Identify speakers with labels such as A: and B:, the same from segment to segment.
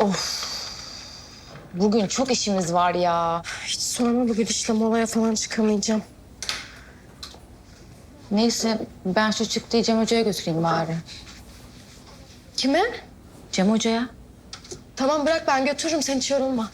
A: Of. Bugün çok işimiz var ya.
B: Hiç sorma, bugün işte molaya falan çıkamayacağım.
A: Neyse ben şu çıktıyı Cem Hoca'ya götüreyim bari.
B: Kime?
A: Cem Hoca'ya.
B: Tamam bırak, ben götürürüm, sen hiç yorulma.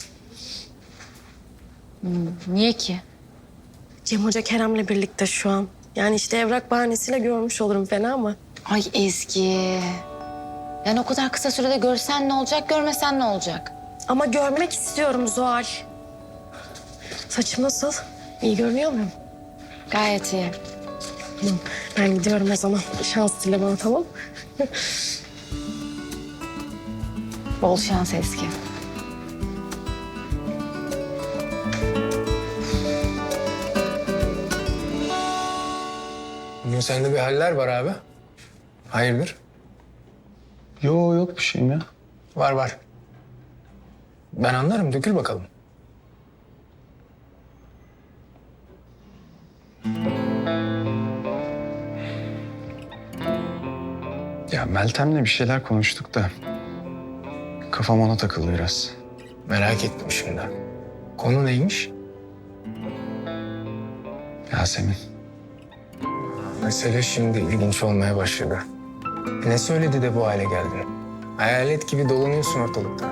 A: Niye ki?
B: Cem Hoca Kerem'le birlikte şu an. Yani işte evrak bahanesiyle görmüş olurum, fena mı?
A: Ay Ezgi. Yani o kadar kısa sürede görsen ne olacak, görmesen ne olacak?
B: Ama görmek istiyorum Zuhal. Saçım nasıl? İyi görünüyor muyum?
A: Gayet iyi.
B: Tamam, ben gidiyorum o zaman. Şans dile bana, tamam?
A: Bol şans Ezgi.
C: Bugün sende bir haller var abi. Hayırdır?
D: Yok bir şeyim ya.
C: Var var. Ben anlarım. Dökül bakalım.
D: Ya Meltem'le bir şeyler konuştuk da kafam ona takıldı biraz.
C: Merak ettim şimdi. Konu neymiş?
D: Yasemin.
C: Mesele şimdi ilginç olmaya başladı. Ne söyledi de bu hale geldin? Hayalet gibi dolanıyorsun ortalıkta.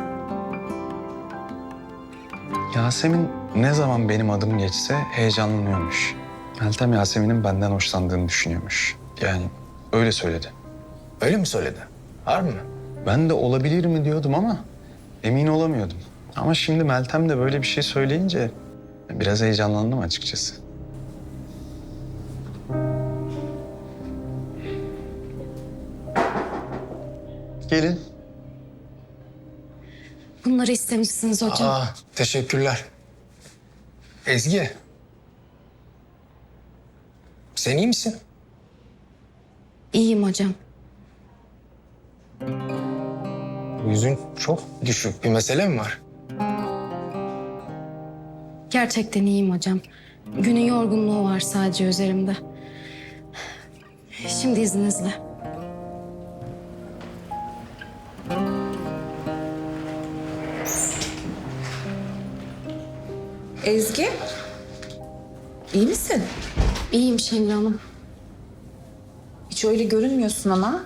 D: Yasemin ne zaman benim adım geçse heyecanlanıyormuş. Meltem Yasemin'in benden hoşlandığını düşünüyormuş. Yani öyle söyledi.
C: Öyle mi söyledi? Harbi mi?
D: Ben de olabilir mi diyordum ama emin olamıyordum. Ama şimdi Meltem de böyle bir şey söyleyince biraz heyecanlandım açıkçası. Gelin.
B: Bunları istemişsiniz hocam.
C: Aa, teşekkürler. Ezgi. Sen iyi misin?
B: İyiyim hocam.
C: Yüzün çok düşük. Bir mesele mi var?
B: Gerçekten iyiyim hocam. Günün yorgunluğu var sadece üzerimde. Şimdi izninizle.
E: Ezgi, iyi misin?
B: İyiyim Şengül Hanım.
E: Hiç öyle görünmüyorsun ama.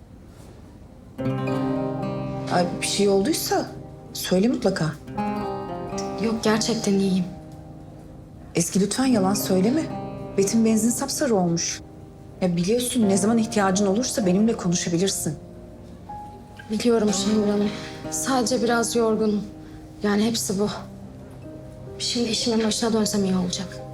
E: Ay, bir şey olduysa söyle mutlaka.
B: Yok, gerçekten iyiyim.
E: Ezgi lütfen yalan söyleme. Betim benzin sapsarı olmuş. Ya biliyorsun, ne zaman ihtiyacın olursa benimle konuşabilirsin.
B: Biliyorum Şengül Hanım. Sadece biraz yorgunum. Yani hepsi bu. Şimdi işimin başına dönsem iyi olacak.